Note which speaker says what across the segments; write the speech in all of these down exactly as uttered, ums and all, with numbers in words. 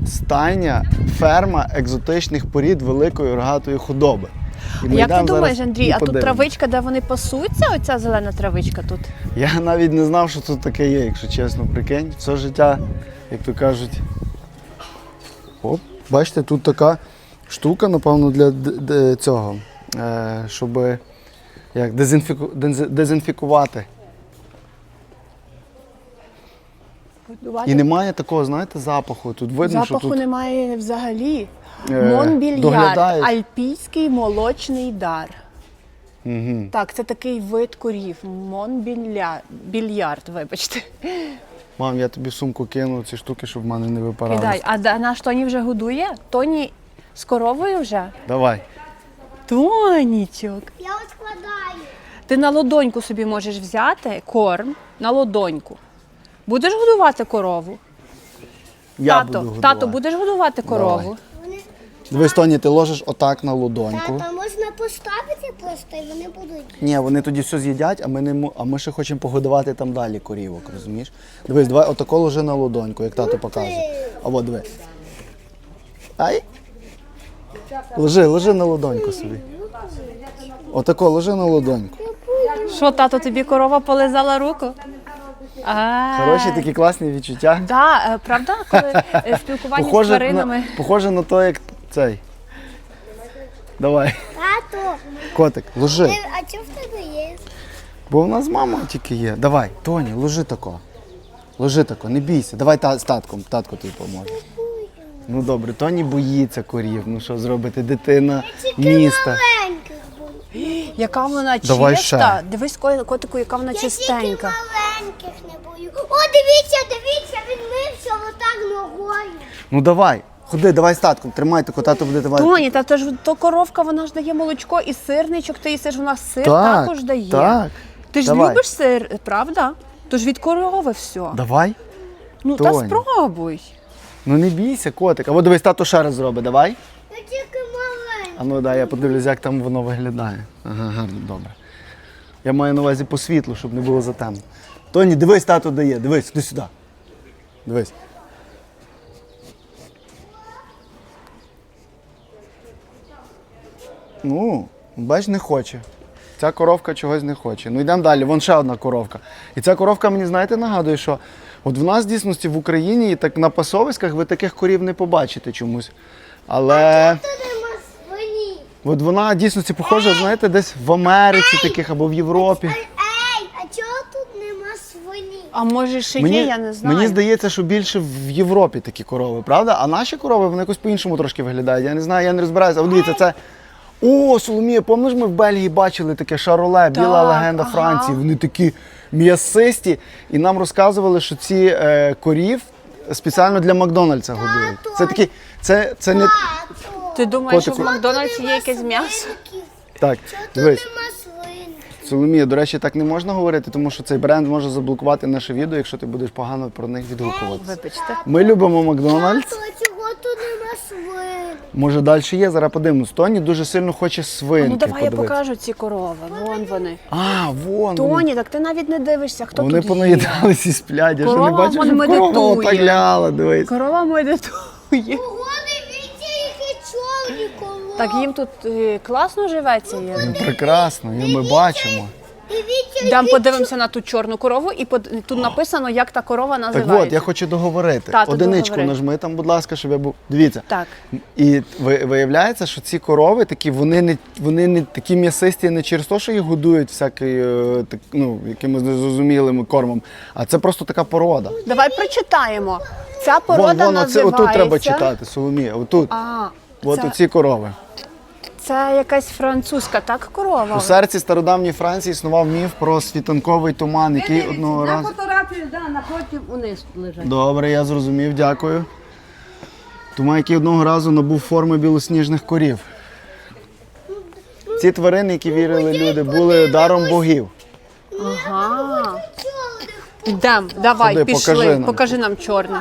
Speaker 1: стайня, ферма екзотичних порід великої рогатої худоби. І
Speaker 2: Як ти думаєш, Андрій, а тут
Speaker 1: подивимось.
Speaker 2: травичка, де вони пасуться, оця зелена травичка тут?
Speaker 1: Я навіть не знав, що тут таке є, якщо чесно, прикинь. Все життя, як то кажуть. Оп, бачите, тут така штука, напевно, для д- д- цього, е, щоб як, дезінфіку... дез- дезінфікувати. І немає такого, знаєте, запаху. Тут видно,
Speaker 2: Запаху
Speaker 1: що тут
Speaker 2: немає взагалі.
Speaker 1: Е,
Speaker 2: Монбільярд,
Speaker 1: доглядають.
Speaker 2: альпійський молочний дар.
Speaker 1: Угу.
Speaker 2: Так, це такий вид корів. Монбільярд, вибачте.
Speaker 1: Мам, я тобі в сумку кину ці штуки, щоб в мене не випарали.
Speaker 2: Кидай. А да- наш Тоні вже годує? Тоні з коровою вже?
Speaker 1: Давай.
Speaker 2: Тонічок.
Speaker 3: Я от складаю.
Speaker 2: Ти на ладоньку собі можеш взяти корм на ладоньку. Будеш годувати корову?
Speaker 1: Я
Speaker 2: тато,
Speaker 1: буду годувати.
Speaker 2: тато, будеш годувати корову?
Speaker 1: Давай.
Speaker 3: Вони...
Speaker 1: Дивись, Тоні, ти ложиш отак на ладоньку.
Speaker 3: Тата, можна поставити просто, і вони будуть.
Speaker 1: Ні, вони тоді все з'їдять, а ми не мо- а ми ще хочемо погодувати там далі корівок, розумієш? Дивись, давай отако ложи на ладоньку, як тато показує. А от диви. Ай. Ложи, ложи на ладоньку собі. Отако, ложи на ладоньку.
Speaker 2: Що, тато, тобі корова полизала руку? А,
Speaker 1: Хороші такі класні відчуття.
Speaker 2: да, е, правда, коли е, спілкування з
Speaker 1: Похоже
Speaker 2: тваринами.
Speaker 1: на, похоже на то, як цей. Давай,
Speaker 3: Тато,
Speaker 1: котик, ложи.
Speaker 3: ти- а чого в тебе є?
Speaker 1: Бо в нас мама тільки є. Давай, Тоні, ложи тако. Ложи тако, не бійся. Давай та, з татком, татко тобі поможе. Ну добре, Тоні боїться корів. Ну що зробити, дитина міста.
Speaker 3: Маленьких бою.
Speaker 2: Яка вона
Speaker 1: Давай
Speaker 2: чиста.
Speaker 1: ще.
Speaker 2: Дивись, ко- котику, яка вона
Speaker 3: Я тільки
Speaker 2: чистенька.
Speaker 3: маленьких не бою. О, дивіться, дивіться, він мився отак ногою.
Speaker 1: Ну давай, ходи, давай з татком, тримай тако, тато буде давай.
Speaker 2: Тоні, та то ж то коровка, вона ж дає молочко і сирничок, ти їсиш, вона сир
Speaker 1: Так,
Speaker 2: також дає.
Speaker 1: так.
Speaker 2: Ти ж
Speaker 1: Давай.
Speaker 2: любиш сир, правда? Тож від корови все.
Speaker 1: Давай.
Speaker 2: Ну та
Speaker 1: Тоні.
Speaker 2: спробуй.
Speaker 1: Ну не бійся, котик. А от дивись, тато ще раз зробить, давай.
Speaker 3: Я тільки маленький.
Speaker 1: А ну дай, я подивлюсь, як там воно виглядає. Ага, гарно, добре. Я маю на увазі по світлу, щоб не було затемно. Тоні, дивись, тато дає, дивись, іди сюди. Дивись. Ну, бач, не хоче. Ця коровка чогось не хоче. Ну йдемо далі, вон ще одна коровка. І ця коровка мені, знаєте, нагадує, що от в нас в дійсності в Україні і так на пасовиськах ви таких корів не побачите чомусь. Але
Speaker 3: Тут нема свині.
Speaker 1: от вона в дійсності похожа, знаєте, десь в Америці таких або в Європі.
Speaker 3: Ей, а чого тут нема свині?
Speaker 2: А може ще є, я не знаю.
Speaker 1: Мені здається, що більше в Європі такі корови, правда? А наші корови, вони якось по-іншому трошки виглядають. Я не знаю, я не розбираюся. А от дивіться, це... О, Соломія, пам'ятаєш, ми в Бельгії бачили таке шароле, біла
Speaker 2: Так,
Speaker 1: легенда
Speaker 2: ага.
Speaker 1: Франції. Вони такі м'ясисті. І нам розказували, що ці е, корів спеціально для Макдональдса годують. Це такі, це, це не...
Speaker 3: Тато.
Speaker 2: Ти думаєш, що в
Speaker 1: Котику.
Speaker 2: Макдональдсі є якесь м'ясо?
Speaker 3: Свинки.
Speaker 1: Так,
Speaker 3: Чого тут
Speaker 1: дивись.
Speaker 3: нема свинки?
Speaker 1: Соломія, до речі, так не можна говорити, тому що цей бренд може заблокувати наше відео, якщо ти будеш погано про них відгукуватися.
Speaker 2: Вибачте.
Speaker 1: Ми любимо Макдональдс.
Speaker 3: Тато, чого тут нема свин?
Speaker 1: Може далі є, зараз подивимось. Тоні дуже сильно хоче свинки.
Speaker 2: Ну давай я
Speaker 1: подивитися.
Speaker 2: покажу ці корови. Вон вони.
Speaker 1: А, вон. вони.
Speaker 2: Тоні, так ти навіть не дивишся, хто
Speaker 1: Вони
Speaker 2: тут є.
Speaker 1: понаїдалися і сплять. Я ще не
Speaker 2: Корова
Speaker 1: бачив,
Speaker 2: вон
Speaker 1: щоб корова
Speaker 2: медитує.
Speaker 1: отак ляла, дивись.
Speaker 2: Корова медитує.
Speaker 3: Ого, дивіться, які чорні корови.
Speaker 2: Так їм тут е, класно живеться. Я думаю.
Speaker 1: Прекрасно, і ми бачимо.
Speaker 3: Дивіться,
Speaker 2: Дам
Speaker 3: які
Speaker 2: подивимося на ту чорну корову, і под- тут написано, як та корова
Speaker 1: Так
Speaker 2: називається.
Speaker 1: от, я хочу договорити.
Speaker 2: Тато,
Speaker 1: Одиничку
Speaker 2: договори.
Speaker 1: нажми там, будь ласка, щоб я був. Дивіться.
Speaker 2: Так.
Speaker 1: І ви- виявляється, що ці корови такі, вони не вони не такі м'ясисті не через те, що їх годують всякою, так, ну, якимось незрозумілим кормом, а це просто така порода.
Speaker 2: Давай прочитаємо. Ця порода
Speaker 1: Вон, вон, оце,
Speaker 2: називається...
Speaker 1: отут треба читати, Соломія, отут.
Speaker 2: А,
Speaker 1: От
Speaker 2: це,
Speaker 1: оці корови.
Speaker 2: це якась французька, так, корова?
Speaker 1: У серці стародавньої Франції існував міф про світанковий туман, який одного
Speaker 4: На
Speaker 1: разу...
Speaker 4: фотографію, да, напротив униз лежать.
Speaker 1: Добре, я зрозумів, дякую. Туман, який одного разу набув форми білосніжних корів. Ці тварини, які вірили люди, були даром богів.
Speaker 2: Ага.
Speaker 3: чорних.
Speaker 2: Йдем, давай,
Speaker 1: Ходи,
Speaker 2: пішли.
Speaker 1: покажи нам.
Speaker 2: Покажи нам чорних.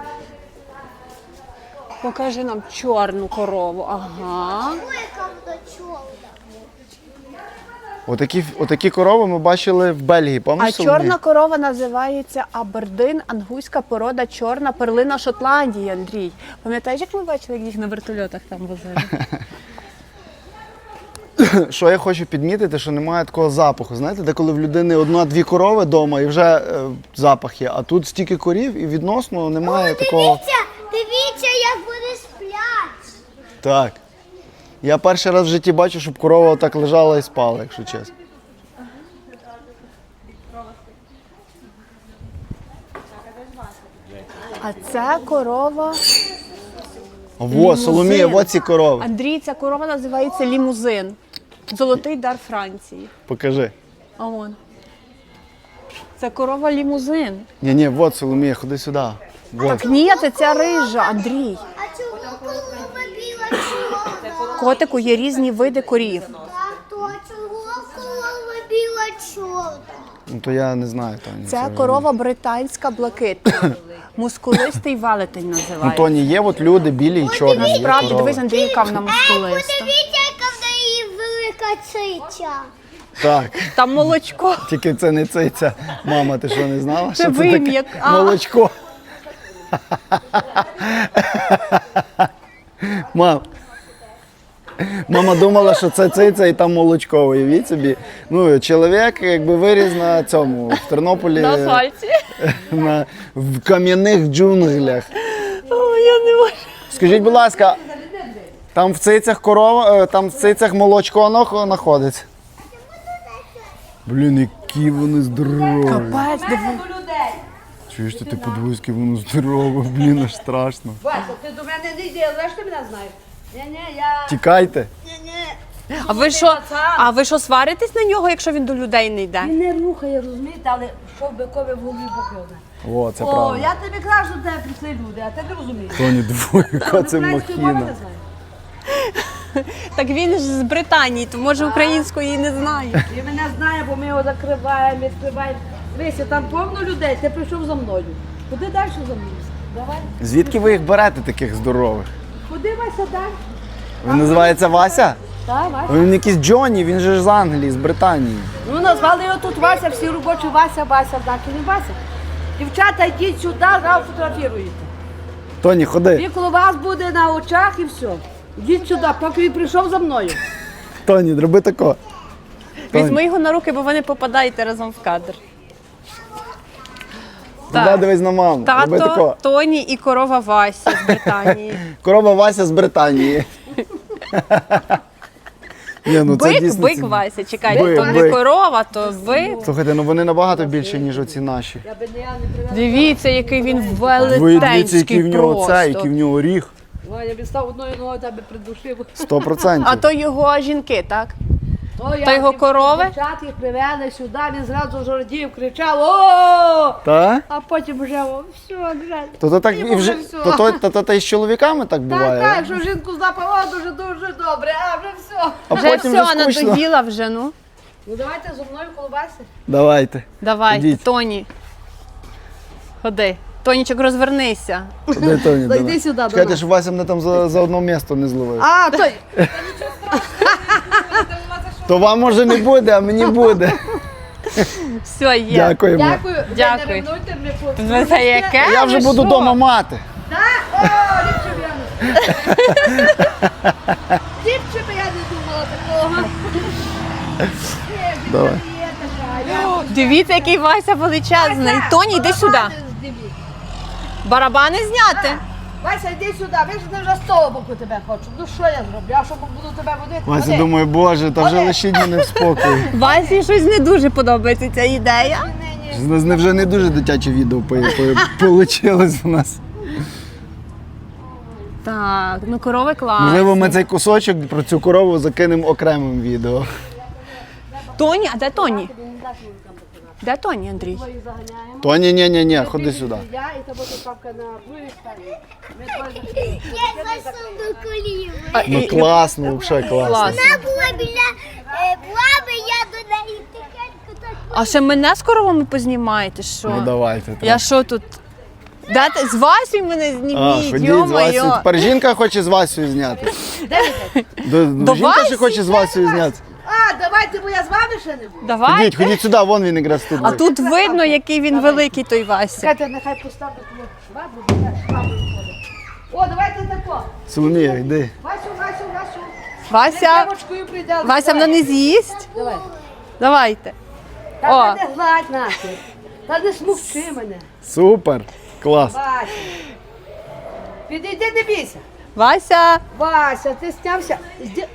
Speaker 2: Покажи нам чорну корову. Ага.
Speaker 3: Ой, яка вона чорна.
Speaker 1: Отакі, отакі корови ми бачили в Бельгії,
Speaker 2: А
Speaker 1: пам'ятаєш? Соломія?
Speaker 2: чорна корова називається Абердин, ангуська порода, чорна перлина Шотландії, Андрій. Пам'ятаєш, як ми бачили, як їх на вертольотах там возили?
Speaker 1: Що я хочу підмітити, що немає такого запаху. Знаєте, де коли в людини одна-дві корови вдома і вже е, запах є, а тут стільки корів і відносно немає такого.
Speaker 3: Дивіться, дивіться, як вони сплять.
Speaker 1: Так. Я перший раз в житті бачу, щоб корова так лежала і спала, якщо чесно.
Speaker 2: А це корова.
Speaker 1: Во, Соломія, во ці корови.
Speaker 2: Андрій, ця корова називається лімузин. Золотий дар Франції.
Speaker 1: Покажи.
Speaker 2: А вон. Це корова лімузин.
Speaker 1: Ні, ні, вот Соломія, ходи сюди. Вот.
Speaker 2: Так ні, це ця рижа, Андрій.
Speaker 3: А чому корова біла чорна?
Speaker 2: Котику є різні види корів.
Speaker 3: Так, то чого корова біла чорна?
Speaker 1: Ну то я не знаю, Тоні.
Speaker 2: Це корова британська блакитна. Мускулистий велетень
Speaker 1: Ну,
Speaker 2: називається.
Speaker 1: Тоні, є от люди білі і чорні. є
Speaker 2: Насправді,
Speaker 1: корови.
Speaker 2: дивись, Андрій, яка вона мускулиста.
Speaker 3: Подивіться, яка в неї велика циця.
Speaker 1: Так,
Speaker 2: Там молочко.
Speaker 1: тільки це не циця. Мама, ти що не знала?
Speaker 2: Це
Speaker 1: що
Speaker 2: вим'як. А.
Speaker 1: Молочко. Мам. Мама думала, що це циця і там молочко. Уявіть собі. Ну, чоловік якби виріс на цьому, в Тернополі,
Speaker 2: На асфальті.
Speaker 1: на, в кам'яних джунглях.
Speaker 2: О, я не можу.
Speaker 1: Скажіть, будь ласка, там в цицях корова, е, там в цицях молочко нах- знаходиться? Блін, які вони здорові.
Speaker 2: Капець, диви.
Speaker 1: Чуєш, ти, ти подивись, яке воно здорове, блін, аж страшно.
Speaker 4: Вася, ти до мене не йди, але ж ти мене знаєш. Ні-ні, я...
Speaker 1: Тікайте.
Speaker 2: А ви що, а ви що сваритесь на нього, якщо він до людей не йде?
Speaker 4: Він не рухає, розумієте, але що бикові в голові покине.
Speaker 1: О, це
Speaker 4: О,
Speaker 1: правда.
Speaker 4: я тобі кажу, до тебе прийшли люди, а ти не розумієш.
Speaker 1: Тоні, двоє, яка це
Speaker 4: Української мови
Speaker 1: махіна.
Speaker 4: не знаєш.
Speaker 2: Так він ж з Британії, то може української не знає.
Speaker 4: Він мене знає, бо ми його закриваємо, відкриваємо. Дивися, там повно людей, ти прийшов за мною. Куди далі за мною? Давай.
Speaker 1: Звідки ви їх берете, таких здорових?
Speaker 4: Куди Вася далі?
Speaker 1: Він називається Вася?
Speaker 4: Так, Вася.
Speaker 1: Він якийсь Джонні, він же ж з Англії, з Британії.
Speaker 4: Ну, назвали його тут Вася, всі робочі Вася, Вася, так і не Вася. Дівчата, йдіть сюди, зараз фотографіруєте.
Speaker 1: Тоні, ходи.
Speaker 4: Він коло вас буде на очах і все. Йдіть сюди, поки він прийшов за мною.
Speaker 1: Тоні, роби тако.
Speaker 2: Візьми його на руки, бо ви не попадаєте разом в кадр.
Speaker 1: Туди дивись на маму. Роби
Speaker 2: Тато,
Speaker 1: тако.
Speaker 2: Тоні і корова Вася з Британії.
Speaker 1: Корова Вася з Британії. Ні, ну це
Speaker 2: Бик,
Speaker 1: дійсно
Speaker 2: бик
Speaker 1: ці-
Speaker 2: Вася, чекайте,
Speaker 1: Бик,
Speaker 2: то не
Speaker 1: бик.
Speaker 2: корова, то бик.
Speaker 1: Слухайте, ну вони набагато більше, ніж оці наші.
Speaker 4: Я би не я не привела.
Speaker 2: Дивіться, який він
Speaker 1: Ви дивіться, який
Speaker 2: велетенський
Speaker 1: в нього це, який
Speaker 2: просто.
Speaker 1: в нього ріг.
Speaker 4: Ой, я б став одною ногою тебе придушив.
Speaker 1: Сто процентів.
Speaker 2: А то його жінки, так?
Speaker 4: То
Speaker 2: Та його корови?
Speaker 4: Дівчат їх привели сюди, він зразу жордів, кричав о,
Speaker 1: Та?
Speaker 4: а потім вже о, все, вже.
Speaker 1: То то так і
Speaker 4: Йому
Speaker 1: вже
Speaker 4: вже все.
Speaker 1: то, то, то, то, то і з чоловіками так буває.
Speaker 4: Так, так, що жінку запало дуже дуже добре, а вже все.
Speaker 1: А
Speaker 2: Вже
Speaker 1: потім
Speaker 2: все,
Speaker 1: вже скучно.
Speaker 2: надоїла вже, ну.
Speaker 4: Ну давайте зо мною колбаси.
Speaker 1: Давайте.
Speaker 2: Давайте,
Speaker 1: Ідіть.
Speaker 2: Тоні. Ходи. Тонічок, розвернися.
Speaker 1: Де Тоні?
Speaker 4: Зайди
Speaker 1: давай.
Speaker 4: сюди до
Speaker 1: Чекайте,
Speaker 4: нас.
Speaker 1: щоб Вася мене там за, за одно місто не зловив.
Speaker 4: А, той.
Speaker 1: То вам може не буде, а мені буде.
Speaker 2: Все, є.
Speaker 1: Дякуємо.
Speaker 4: Дякую. Ви
Speaker 2: Дякую.
Speaker 4: не ревнуйте, ми по-
Speaker 2: Ви за яке?
Speaker 1: Я вже
Speaker 2: Ви
Speaker 1: буду
Speaker 2: що?
Speaker 1: вдома мати.
Speaker 4: Так? О, ліпше б я не Ліпше б я не думала такого.
Speaker 1: Давай.
Speaker 4: Є така, я
Speaker 2: Дивіться, який Вася величезний. Тоні, йди сюди.
Speaker 4: Барабани здивіть.
Speaker 2: Барабани зняти.
Speaker 4: Вася, йди сюди, ви ж не вже з того боку тебе хочу. Ну що я зроблю? Я що буду тебе водити?
Speaker 1: Вася
Speaker 4: Ходи.
Speaker 1: думає, боже, та вже
Speaker 4: Ходи.
Speaker 1: лишіть мене в спокій.
Speaker 2: Васі щось не дуже подобається ця ідея.
Speaker 4: Ні, ні.
Speaker 1: У нас не- вже не дуже дитяче відео вийшло у нас.
Speaker 2: Так, ну корови класні.
Speaker 1: Можливо, ми цей кусочок про цю корову закинемо окремим відео.
Speaker 2: Тоні, а де Тоні? Де Тоні, Андрій?
Speaker 4: Їх заганяємо.
Speaker 1: То ні, ні, ні, ні, ходи сюди.
Speaker 4: Я і тебе тут папка на другій стороні. Ми двоє
Speaker 3: Я зайшов до коліви.
Speaker 2: А,
Speaker 1: Ну
Speaker 2: і-
Speaker 1: класно, взагалі класно.
Speaker 2: Клас.
Speaker 3: Вона була біля е, баби, я до неї тихенько так.
Speaker 2: А ще мене з коровами познімаєте, що?
Speaker 1: Ну давайте.
Speaker 2: Я що тут? Дайте з Васю мене
Speaker 1: А,
Speaker 2: зніміть,
Speaker 1: ходіть з Васю.
Speaker 2: йо-моє.
Speaker 1: Тепер жінка хоче з Васю зняти. До,
Speaker 2: До
Speaker 1: жінка ще
Speaker 2: Васі?
Speaker 1: хоче з Васю зняти.
Speaker 4: А, давайте, бо я з вами ще не буду.
Speaker 2: Давай.
Speaker 1: Ходіть, ходіть сюди, вон він якраз тут.
Speaker 2: А тут видно, який він великий, той Вася.
Speaker 4: Чекайте, нехай поставлю тому швабру, бо я швабру входить. О, давайте тако.
Speaker 1: Соломія, йди.
Speaker 4: Васю, Васю, Васю.
Speaker 2: Вася,
Speaker 4: Дівочкою прийде.
Speaker 2: Вася вона не з'їсть.
Speaker 4: Давай.
Speaker 2: Давайте.
Speaker 4: Та
Speaker 2: О.
Speaker 4: не гладь нахер. Та не смовчи мене.
Speaker 1: Супер. Клас.
Speaker 4: Вася. Підійди, не бійся.
Speaker 2: Вася.
Speaker 4: Вася, ти снявся. Зді-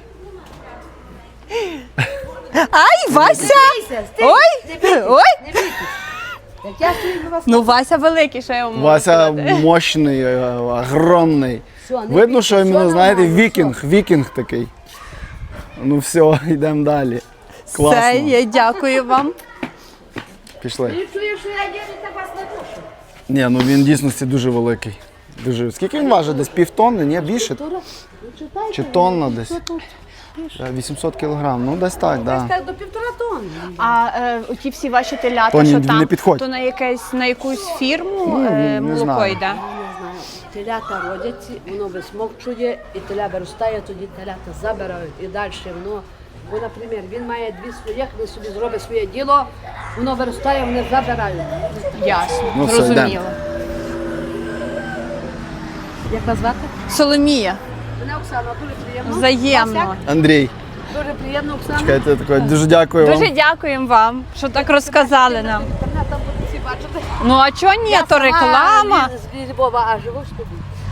Speaker 2: Ай, Вася!
Speaker 4: Бійся, стій.
Speaker 2: Ой!
Speaker 4: Не бійтесь,
Speaker 2: Ой!
Speaker 4: не бійтесь. Як я стою на вас.
Speaker 2: Ну, Вася великий, що я вам можу
Speaker 1: Вася
Speaker 2: сказати.
Speaker 1: мощний, е, огромний.
Speaker 4: Все, не
Speaker 1: Видно,
Speaker 4: бійтесь,
Speaker 1: що він,
Speaker 4: все
Speaker 1: знаєте,
Speaker 4: нормально,
Speaker 1: вікінг, вікінг такий. Ну все, йдемо далі. Класно.
Speaker 2: Все, я дякую вам.
Speaker 1: Пішли.
Speaker 4: Ти чуєш, що я їду, так вас не душу.
Speaker 1: Ні, ну він в дійсності дуже великий. Дуже. Скільки він важить? Десь півтонни, ні, більше? Чи тонна десь? Е, вісімсот кілограм, ну десь так,
Speaker 4: Десь
Speaker 1: так. Да.
Speaker 4: так до півтора тонни.
Speaker 2: А е, ті всі ваші телята,
Speaker 1: Тоні,
Speaker 2: що
Speaker 1: не
Speaker 2: там,
Speaker 1: підходь.
Speaker 2: то на, якесь, на якусь фірму
Speaker 1: Ну,
Speaker 2: е,
Speaker 1: не
Speaker 2: молоко
Speaker 1: знаю.
Speaker 2: йде?
Speaker 4: Я не знаю. Телята родяться, воно висмокчує, і теля виростає, тоді телята забирають і далі воно. Бо, наприклад, він має дві своїх, він собі зробить своє діло, воно виростає, вони забирають.
Speaker 2: Ясно,
Speaker 1: Ну, все,
Speaker 2: зрозуміло.
Speaker 1: йдемо.
Speaker 4: Як вас звати?
Speaker 2: Соломія,
Speaker 4: Мене Оксана, дуже приємно.
Speaker 2: взаємно.
Speaker 4: Вас як?
Speaker 1: Андрій,
Speaker 4: Дуже приємно, Оксана.
Speaker 1: чекайте, таке, дуже дякую вам.
Speaker 2: Дуже дякуємо вам, що так розказали нам.
Speaker 4: Інтернет там будуть всі бачити.
Speaker 2: Ну а чого ні,
Speaker 4: Я
Speaker 2: то
Speaker 4: сама
Speaker 2: реклама.
Speaker 4: з- з Львова, а живу в Стубі.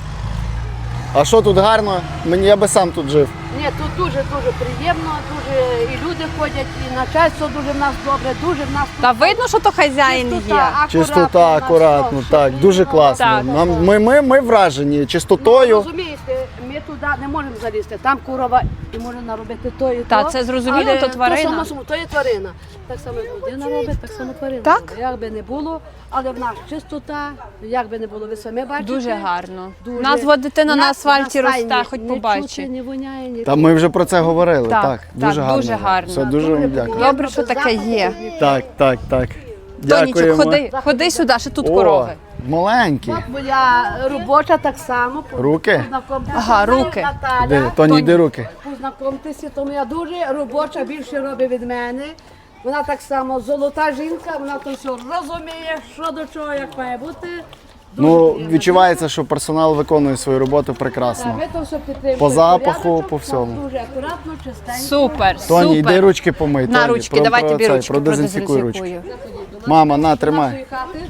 Speaker 1: А що тут гарно? Мені я би сам тут жив.
Speaker 4: Ні, тут дуже-дуже приємно, дуже і люди ходять, і начальство дуже в нас добре, дуже в нас тут
Speaker 2: Та видно, що то хазяїн є.
Speaker 1: Чистота,
Speaker 4: у нас
Speaker 1: акуратно,
Speaker 4: все,
Speaker 1: так,
Speaker 4: щоб
Speaker 1: дуже
Speaker 4: воно-
Speaker 1: класно.
Speaker 2: Так.
Speaker 1: Нам, ми, ми, ми вражені
Speaker 4: Ну,
Speaker 1: чистотою.
Speaker 4: розумієте, ми туди не можемо залізти. Там корова і може наробити то і то.
Speaker 2: Та, це зрозуміло,
Speaker 4: але
Speaker 2: то тварина.
Speaker 4: То, само, само, то є тварина. Так само як людина робить, так само тварина.
Speaker 2: Так?
Speaker 4: робить. Як би не було, але в нас чистота, як би не було, ви самі бачите.
Speaker 2: Дуже гарно.
Speaker 4: Дуже.
Speaker 2: У нас от дитина на
Speaker 4: Нас-
Speaker 2: асфальті
Speaker 4: на стайні
Speaker 2: росте, хоч
Speaker 4: не
Speaker 2: побачить.
Speaker 4: чути, не воняє, ні.
Speaker 1: Та ми вже про це говорили.
Speaker 2: Так,
Speaker 1: Так,
Speaker 2: так,
Speaker 1: дуже гарно.
Speaker 2: дуже гарно.
Speaker 1: Все, дуже вам дякую.
Speaker 2: Добре, що таке є.
Speaker 1: Так, так, так.
Speaker 2: Тонічок,
Speaker 1: Дякуємо.
Speaker 2: ходи, ходи сюди, ще тут
Speaker 1: О,
Speaker 2: корови.
Speaker 1: маленькі.
Speaker 4: От моя робоча так само.
Speaker 1: Руки?
Speaker 4: Познайомтеся
Speaker 2: Ага,
Speaker 4: з нею,
Speaker 2: руки.
Speaker 4: Наталя.
Speaker 1: Де, Тоні, йди руки.
Speaker 4: Познайомтеся, тому я дуже робоча, більше робить від мене. Вона так само золота жінка, вона то все розуміє, що до чого, як має бути. Дуже
Speaker 1: Ну,
Speaker 4: приємно.
Speaker 1: відчувається, що персонал виконує свою роботу
Speaker 4: Так,
Speaker 1: прекрасно.
Speaker 4: ми то все підтримуємо.
Speaker 1: По запаху,
Speaker 4: Порядочок,
Speaker 1: по всьому.
Speaker 4: Дуже акуратно, чистенько.
Speaker 2: Супер,
Speaker 1: Тоні, йди
Speaker 2: супер.
Speaker 1: ручки помий.
Speaker 2: На
Speaker 1: Тоні,
Speaker 2: ручки,
Speaker 1: про-
Speaker 2: давай
Speaker 1: про
Speaker 2: тобі
Speaker 1: цей,
Speaker 2: ручки
Speaker 1: продезінфікуй ручки.
Speaker 2: продезінфікую.
Speaker 1: Мама, на,
Speaker 4: Нашої
Speaker 1: тримай.
Speaker 4: хати.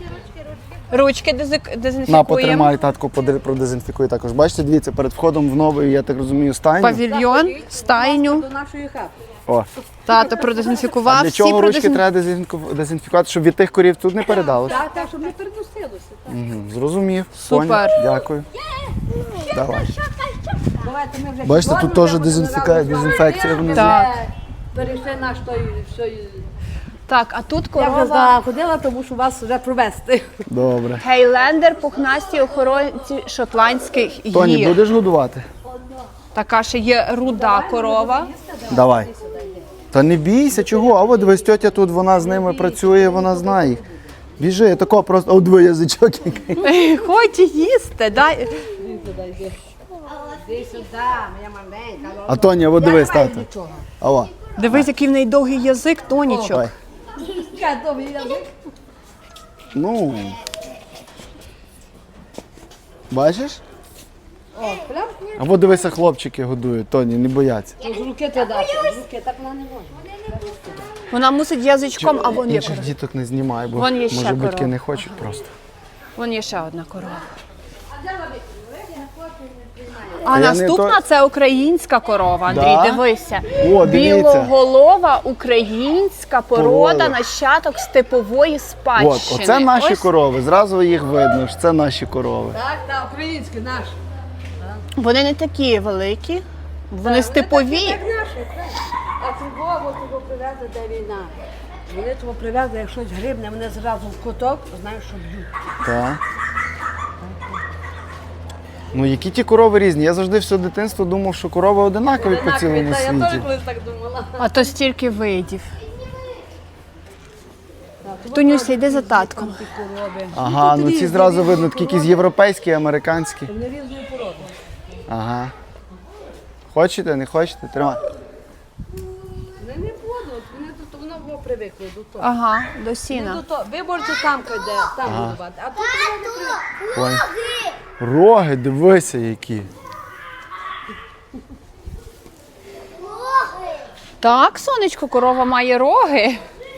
Speaker 2: Ручки дезик-
Speaker 1: На,
Speaker 2: дезінфікуємо.
Speaker 1: потримай, татку, поди- продезінфікуй також. Бачите, дивіться, перед входом в новий, я так розумію, стайню.
Speaker 2: Павільйон, стайню.
Speaker 4: До нашої хати.
Speaker 1: О,
Speaker 2: Тато продезінфікував,
Speaker 1: а для
Speaker 2: всі
Speaker 1: чого ручки
Speaker 2: продезін-
Speaker 1: треба дезінфіку- дезінфікувати, щоб від тих корів тут не передалося?
Speaker 4: Так, так, щоб не переносилося. так.
Speaker 1: Мгм, зрозумів.
Speaker 2: Супер.
Speaker 1: Поняв. Дякую. Давай.
Speaker 4: Давайте ми вже
Speaker 1: Бачите, тут
Speaker 4: підходимо,
Speaker 1: теж
Speaker 4: вже
Speaker 1: дезінфіка-
Speaker 4: разом з вами.
Speaker 1: дезінфекція
Speaker 4: Ми
Speaker 1: внизу.
Speaker 2: Так.
Speaker 4: вже Перейшли наш той, той...
Speaker 2: Так, а тут
Speaker 4: Я вже
Speaker 2: корова.
Speaker 4: заходила, тому що вас вже провести.
Speaker 1: Добре.
Speaker 2: Гейлендер, пухнасті охоронці шотландських
Speaker 1: Тоні,
Speaker 2: гір.
Speaker 1: будеш годувати?
Speaker 2: Така ще є руда корова.
Speaker 1: Давай. Та не бійся, чого? А от дивись, тьотя тут, вона з ними працює, вона знає їх. Біжи, тако просто, о, двоє язичок який.
Speaker 2: Хоче їсти, дай.
Speaker 4: Іди сюди, моя маленька.
Speaker 1: А Тоня, от дивись, тато. Ава.
Speaker 2: Дивись, який в неї довгий язик, Тонічок.
Speaker 1: Давай.
Speaker 4: Яка довгий язик.
Speaker 1: Ну. Бачиш?
Speaker 4: О, прям
Speaker 1: А от дивися, хлопчики годують, Тоні, не бояться.
Speaker 4: з руки ти дати, з руки, так вона не може.
Speaker 2: Вона мусить язичком, а вон є
Speaker 1: Інших
Speaker 2: корова.
Speaker 1: діток не знімай, бо
Speaker 2: Вон є ще
Speaker 1: може батьки
Speaker 2: корова.
Speaker 1: не хочуть просто.
Speaker 2: Вон є ще одна корова.
Speaker 1: А
Speaker 2: А
Speaker 1: я не
Speaker 2: наступна
Speaker 1: то-
Speaker 2: це українська корова, Андрій,
Speaker 1: Да?
Speaker 2: дивися.
Speaker 1: О, дивіться.
Speaker 2: Білоголова українська порода,
Speaker 1: Порода.
Speaker 2: нащадок степової спадщини.
Speaker 1: От, оце наші
Speaker 2: Ось
Speaker 1: корови, зразу їх видно, що це наші корови.
Speaker 4: Так, так, український наш.
Speaker 2: Вони не такі великі, вони степові.
Speaker 4: Так наші, так. А цього, от того привезли, де війна. Вони того привезли, як щось грибне, вони зразу в куток, знаєш, що б'ють.
Speaker 1: Так. Ну, які ті корови різні? Я завжди все дитинство думав, що корови одинакові по цілому
Speaker 4: Та, я теж
Speaker 1: світі.
Speaker 4: колись так думала.
Speaker 2: А то стільки видів. Тонюся, йди за татком.
Speaker 4: Ті корови.
Speaker 1: Ага, ну ці зразу видно, такі якісь європейські, американські.
Speaker 4: Вони різної породи.
Speaker 1: Ага. Хочете, не хочете? Тримай.
Speaker 4: Вони привикли до того.
Speaker 2: Ага, до
Speaker 4: Ну,
Speaker 2: сіна.
Speaker 4: до того. Ви можете там, де там годувати, а тут вони не привикли.
Speaker 1: Ой. Роги, дивися які.
Speaker 2: Так, сонечко, корова має роги.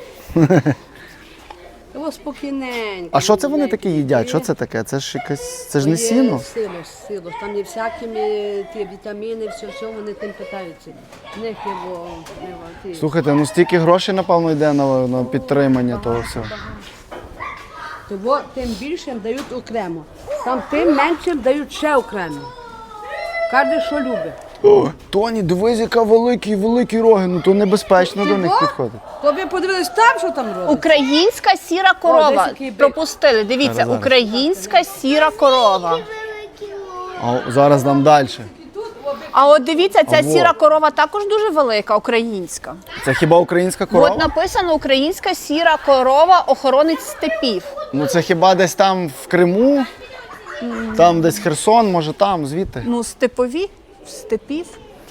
Speaker 4: О, спокійненько.
Speaker 1: А що це вони
Speaker 4: маленькі.
Speaker 1: такі їдять? Що це таке? Це ж якесь. Це ж не
Speaker 4: Є
Speaker 1: сіно?
Speaker 4: Силос, силос. Там є всякі е, ті вітаміни, все, все вони тим питаються. В них є бо, не, ті.
Speaker 1: Слухайте, ну стільки грошей, напевно, йде на, на підтримання того всього.
Speaker 4: Того тим більше їм дають окремо. Там тим менше їм дають ще окремо. Кожен, що любить.
Speaker 1: О, Тоні, дивись, яка великі, великі роги. Ну то небезпечно до них
Speaker 4: Того?
Speaker 1: підходити.
Speaker 4: То ви подивились там, що там робить?
Speaker 2: Українська сіра
Speaker 4: О,
Speaker 2: корова.
Speaker 4: десь який бик.
Speaker 2: Пропустили. Дивіться,
Speaker 1: Зараз, зараз.
Speaker 2: українська сіра корова.
Speaker 1: А зараз нам далі.
Speaker 2: А от дивіться, ця
Speaker 1: А во.
Speaker 2: сіра корова також дуже велика, українська.
Speaker 1: Це хіба українська корова?
Speaker 2: От написано українська сіра корова, охоронець степів.
Speaker 1: Ну це хіба десь там в Криму? Там десь Херсон, може там, звідти.
Speaker 2: Ну, степові, степів.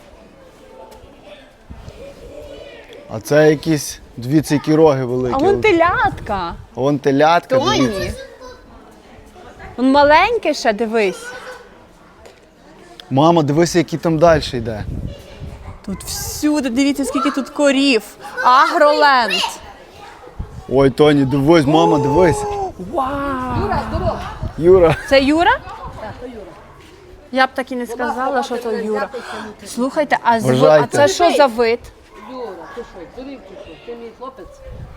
Speaker 1: А це якісь, дивіться, які роги великі.
Speaker 2: А вон телятка.
Speaker 1: Вон телятка, дивіться.
Speaker 2: Тоні. Вон маленьке ще, дивись.
Speaker 1: Мама, дивися, який там далі йде.
Speaker 2: Тут всюди, дивіться, скільки тут корів. Агроленд.
Speaker 1: Ой, Тоні, дивись, мама, дивись.
Speaker 2: Вау!
Speaker 4: Юра, здорово.
Speaker 1: Юра.
Speaker 2: Це Юра?
Speaker 4: Так, то Юра.
Speaker 2: Я б так і не сказала, що це Юра. Слухайте, а, зв... а
Speaker 1: Вважайте.
Speaker 2: це що за вид?
Speaker 4: Юра, ти що, дурів чи що? Ти мій хлопець?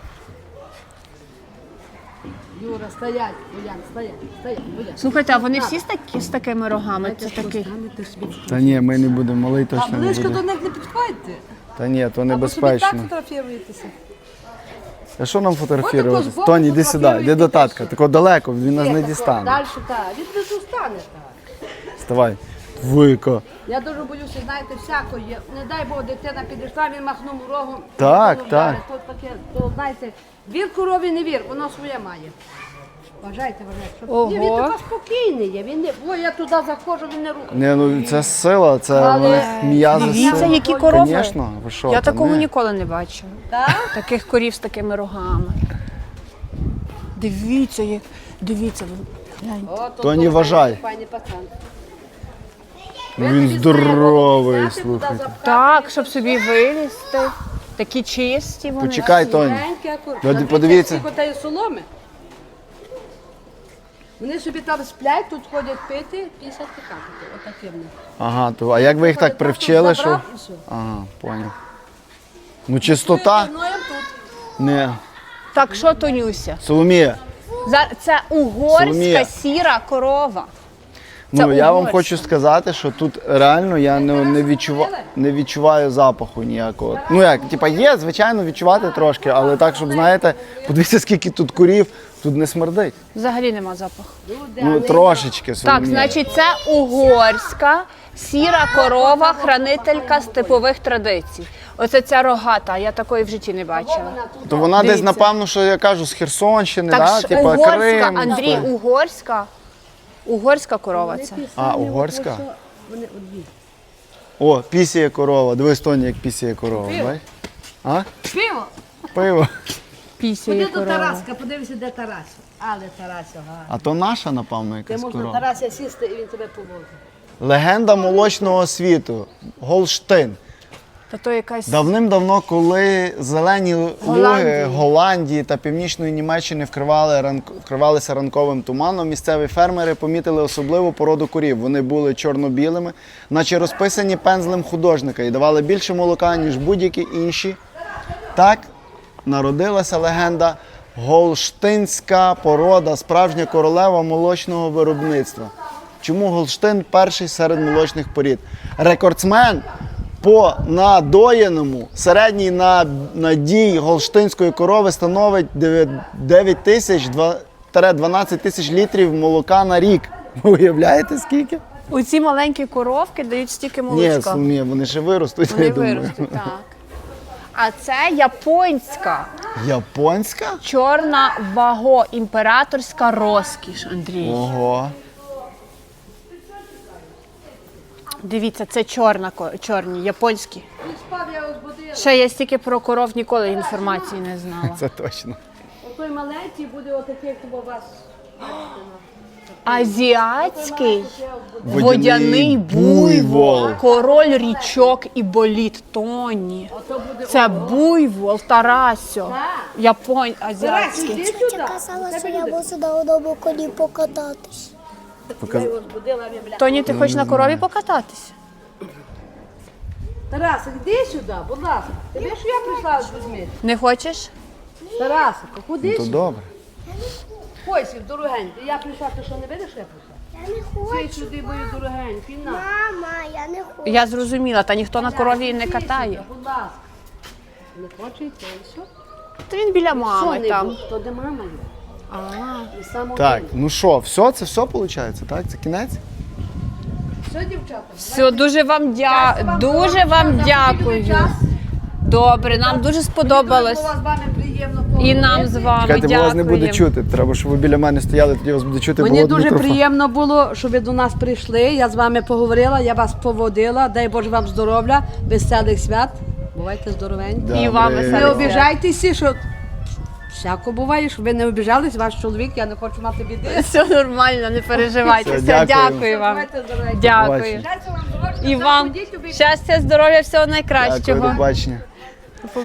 Speaker 4: Юра, стоять, Боян, стоять, стоять, Боян.
Speaker 2: Слухайте, а вони всі з, такі, з такими рогами? Це такий.
Speaker 4: Станете собі.
Speaker 1: Та ні, ми не будемо, малий
Speaker 4: А
Speaker 1: точно не
Speaker 4: близько до
Speaker 1: буде.
Speaker 4: них не підходьте.
Speaker 1: Та ні, то
Speaker 4: Або собі так
Speaker 1: небезпечно.
Speaker 4: фотографіруєтеся.
Speaker 1: А що нам
Speaker 4: Отако
Speaker 1: фотографуватися?
Speaker 4: збоку
Speaker 1: Тоні, іди сюди, йди до татка.
Speaker 4: фотографіруйтеся.
Speaker 1: Тако далеко, він нас не
Speaker 4: Ні, тако,
Speaker 1: дістане.
Speaker 4: Далі так, він не зустане так.
Speaker 1: Вставай. Вика.
Speaker 4: Я дуже боюся, знаєте, всяко є. Не дай Бог, дитина підійшла, він махнув рогом.
Speaker 1: Так,
Speaker 4: дитину
Speaker 1: так.
Speaker 4: вдарить. То таке, то знаєте, вір корові не вір, воно своє має. Вважайте, вважайте. Щоб...
Speaker 2: Ого.
Speaker 4: Ні, він така спокійний є. Він не... Ой, я туди заходжу, він не рухає.
Speaker 1: Ні, ну це сила, це
Speaker 4: Але
Speaker 1: в них м'язи
Speaker 2: Дивіться,
Speaker 1: сили.
Speaker 2: які корови.
Speaker 1: Звісно, ви що?
Speaker 2: Я
Speaker 1: та
Speaker 2: такого
Speaker 1: ні.
Speaker 2: ніколи не бачила.
Speaker 4: Так?
Speaker 2: Таких корів з такими рогами. Дивіться, як. Дивіться, ви гляньте.
Speaker 4: О, то,
Speaker 1: То не
Speaker 4: то,
Speaker 1: вважай.
Speaker 4: Пані пацан.
Speaker 1: Ну, він здоровий, слухайте.
Speaker 2: Так, щоб собі вилізти. Такі чисті вони.
Speaker 1: Почекай, Тоні.
Speaker 4: Тоні.
Speaker 1: подивіться.
Speaker 4: Скільки тієї соломи. Вони собі там сплять, тут ходять пити, пісять какати. Отакі в них.
Speaker 1: Ага, то а як ви їх так привчили, що?
Speaker 4: Забрав і все.
Speaker 1: Ага, поняв. Ну чистота?
Speaker 4: Ну, я тут.
Speaker 1: Не.
Speaker 2: Так, що, Тонюся?
Speaker 1: Соломія,
Speaker 2: За- Це угорська
Speaker 1: Соломія.
Speaker 2: сіра корова. Це
Speaker 1: ну я вам
Speaker 2: угорська.
Speaker 1: хочу сказати, що тут реально я не, не, відчува, не відчуваю запаху ніякого. Ну як, типа є, звичайно, відчувати трошки, але так, щоб знаєте, подивіться, скільки тут курів, тут не смердить.
Speaker 2: Взагалі нема запаху.
Speaker 1: Ну трошечки, Соломія.
Speaker 2: Так, значить, це угорська сіра корова, хранителька степових традицій. Оце ця рогата, я такої в житті не бачила.
Speaker 1: То вона десь,
Speaker 2: Дивіться.
Speaker 1: напевно, що я кажу, з Херсонщини,
Speaker 2: Так,
Speaker 1: да?
Speaker 2: ж
Speaker 1: типа
Speaker 2: угорська,
Speaker 1: Крим.
Speaker 2: Андрій,
Speaker 1: що?
Speaker 2: угорська. Угорська корова це.
Speaker 1: А, угорська?
Speaker 4: Вони одні.
Speaker 1: О, пісіє корова. Дивись, Тоні, як пісіє корова.
Speaker 4: Пиво.
Speaker 1: бач? А?
Speaker 4: Пиво!
Speaker 1: Пиво.
Speaker 2: Пісяє
Speaker 4: Ходи до
Speaker 2: корова.
Speaker 4: Тараска, подивися, де Тарася. Але Тарася, га.
Speaker 1: А то наша, напевно,
Speaker 4: Ти
Speaker 1: якась
Speaker 4: можна
Speaker 1: корова.
Speaker 4: Тарася сісти і він тебе повозить.
Speaker 1: Легенда молочного світу. Голштин.
Speaker 2: Та то якась.
Speaker 1: Давним-давно, коли зелені луги
Speaker 2: Голландії.
Speaker 1: Голландії та Північної Німеччини вкривали ранк... вкривалися ранковим туманом, місцеві фермери помітили особливу породу корів. Вони були чорно-білими, наче розписані пензлем художника і давали більше молока, ніж будь-які інші. Так народилася легенда голштинська порода, справжня королева молочного виробництва. Чому Голштин перший серед молочних порід? Рекордсмен по надоєному середній на- надій голштинської корови становить дев'ять тисяч - дванадцять тисяч літрів молока на рік. Ви уявляєте скільки?
Speaker 2: Оці маленькі коровки дають стільки
Speaker 1: Ні,
Speaker 2: молочка.
Speaker 1: ні, вони ще виростуть,
Speaker 2: Вони
Speaker 1: я думаю.
Speaker 2: виростуть, так. А це японська
Speaker 1: Японська?
Speaker 2: чорна ваго, імператорська розкіш, Андрій.
Speaker 1: Ого.
Speaker 2: Дивіться, це чорна, ко- чорні, японські.
Speaker 4: Він спав, я його збудила.
Speaker 2: Ще я стільки про коров ніколи інформації не знала.
Speaker 1: Це точно.
Speaker 4: Отой маленький буде отакий, як у вас.
Speaker 2: Азіатський
Speaker 1: Водяний
Speaker 2: водяний буйвол,
Speaker 1: буйвол.
Speaker 2: король річок і боліт Тоні.
Speaker 4: Ото буде
Speaker 2: Це буйвол Тарасьо,
Speaker 4: Так.
Speaker 2: японь
Speaker 4: Тарас,
Speaker 2: азіатський.
Speaker 4: іди
Speaker 3: Тетя
Speaker 4: сюди.
Speaker 3: казала, що я можу на одному коні покататись.
Speaker 4: Я його збудила, він, бля.
Speaker 2: Тоні, ти хочеш на корові покататися?
Speaker 4: Тарас, іди сюди, будь ласка. Ти бачиш, що я прийшла з людьми?
Speaker 2: Не хочеш?
Speaker 4: Тарасико, куди
Speaker 1: То
Speaker 4: сюди?
Speaker 1: добре.
Speaker 4: Хойсів, дорогенький. Я прийшла, ти що не видиш, що я прийшла?
Speaker 3: Я не хочу.
Speaker 4: Ти сюди, мою дорогенький, на.
Speaker 3: Мама, я не хочу.
Speaker 2: Я зрозуміла, та ніхто на корові не
Speaker 4: Іди
Speaker 2: катає.
Speaker 4: сюди, будь ласка. Не хоче йти, і все.
Speaker 2: То він біля
Speaker 4: Що
Speaker 2: мами
Speaker 4: не
Speaker 2: там.
Speaker 4: буде? То де мама є.
Speaker 2: А,
Speaker 4: І сам
Speaker 1: Так,
Speaker 4: один.
Speaker 1: ну що, все, це все виходить, так? Це кінець?
Speaker 4: Все, дівчата.
Speaker 2: все, дуже вам дя... дуже вам дякую. Добре, нам дуже сподобалось.
Speaker 4: Було з вами приємно
Speaker 2: І нам
Speaker 4: поговорити.
Speaker 2: з вами
Speaker 1: Чекайте, бо вас не буде
Speaker 2: дякуємо.
Speaker 1: чути. Треба, щоб ви біля мене стояли, тоді вас буде чути.
Speaker 4: Мені
Speaker 1: було б
Speaker 4: дуже
Speaker 1: мікрофон.
Speaker 4: приємно було, що ви до нас прийшли. Я з вами поговорила, я вас поводила. Дай Боже вам здоров'я, веселих свят. Бувайте здоровенькі.
Speaker 1: Добре.
Speaker 2: І вам
Speaker 4: Не
Speaker 2: веселих
Speaker 4: обіжайтеся, що всяко буває, щоб ви не обіжались, ваш чоловік, я не хочу мати біди.
Speaker 2: Все нормально, не переживайте.
Speaker 1: Все,
Speaker 2: Все,
Speaker 1: дякую.
Speaker 2: дякую вам.
Speaker 4: Бувайте здоровенькі.
Speaker 2: Дякую.
Speaker 1: Бачите.
Speaker 4: Щастя вам, здоров'я,
Speaker 2: І
Speaker 4: все,
Speaker 2: вам
Speaker 4: ходіть, любіть.
Speaker 2: щастя, здоров'я, всього
Speaker 1: Дякую,
Speaker 2: найкращого.
Speaker 1: до бачення.